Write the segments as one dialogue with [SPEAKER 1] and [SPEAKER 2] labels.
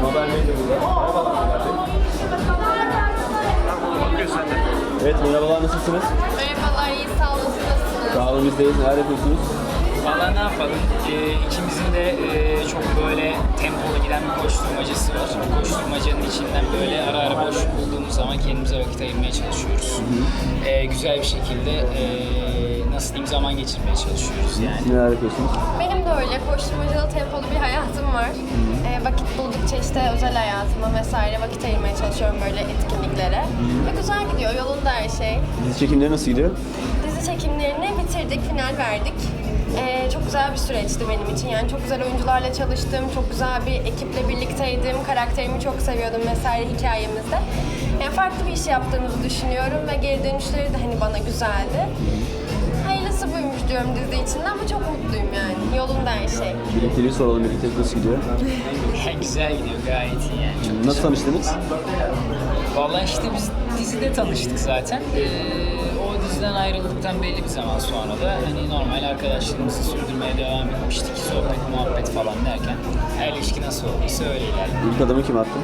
[SPEAKER 1] Haber Medya burada. Evet, merhabalar, nasılsınız?
[SPEAKER 2] Merhabalar, iyi sağ olun, nasılsınız?
[SPEAKER 1] Sağ olun, bizdeyiz. Neler yapıyorsunuz?
[SPEAKER 3] Valla ne yapalım? İkimizin de çok böyle tempolu giden bir koşturmacası var. Bu koşturmacanın içinden böyle ara ara boş bulduğumuz zaman kendimize vakit ayırmaya çalışıyoruz. Güzel bir şekilde nasıl diyeyim zaman geçirmeye çalışıyoruz yani.
[SPEAKER 1] Neler yapıyorsunuz?
[SPEAKER 2] Benim de öyle koşturmacalı tempolu bir hayatım var. Vakit buldukça işte özel hayatıma vesaire vakit ayırmaya çalışıyorum böyle etkinliklere. Ve güzel gidiyor, yolunda her şey.
[SPEAKER 1] Dizi çekimleri nasıl gidiyor?
[SPEAKER 2] Dizi çekimlerini bitirdik, final verdik. Çok güzel bir süreçti benim için. Yani çok güzel oyuncularla çalıştım, çok güzel bir ekiple birlikteydim, karakterimi çok seviyordum vesaire hikayemizde. Yani farklı bir iş yaptığımızı düşünüyorum ve geri dönüşleri de hani bana güzeldi. Hayırlısı buymuş diyorum dizi içinde ama çok mutluyum yani. Yolunda her şey.
[SPEAKER 1] Birlikteliği soralım, birliktelik nasıl gidiyor?
[SPEAKER 3] Güzel gidiyor, gayet iyi yani. Çok
[SPEAKER 1] Nasıl tanıştınız?
[SPEAKER 3] Valla işte biz dizide tanıştık zaten. O diziden ayrıldıktan belli bir zaman sonra da hani normal arkadaşlığımızı sürdürmeye devam etmiştik. Sohbet, muhabbet falan derken her ilişki nasıl olduysa öyle ilerledi.
[SPEAKER 1] İlk adımı kim attı?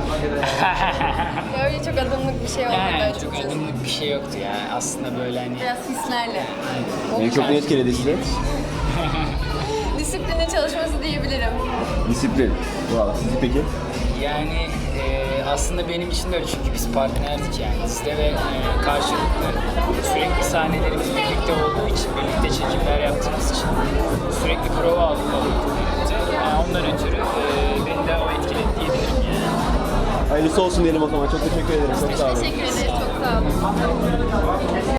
[SPEAKER 2] Öyle çok adımlık bir şey olmadı
[SPEAKER 3] Yani çok
[SPEAKER 2] açıkçası.
[SPEAKER 3] adımlık bir şey yoktu yani. Aslında böyle hani
[SPEAKER 2] Biraz hislerle.
[SPEAKER 1] En çok ne etkiledi sizi?
[SPEAKER 2] Disiplinli çalışması diyebilirim.
[SPEAKER 1] Disiplin. Valla, sizi peki?
[SPEAKER 3] yani aslında benim için de öyle çünkü biz partnerdik yani dizide ve karşılıklı sürekli sahnelerimiz birlikte olduğu için, birlikte çekimler yaptığımız için sürekli prova aldık birlikte. Yani ondan ötürü beni de o etkiledi diyebilirim yani.
[SPEAKER 1] Hayırlısı olsun diyelim o zaman. Çok teşekkür ederim. Çok sağ olun.
[SPEAKER 2] Teşekkür ederiz, çok sağ olun.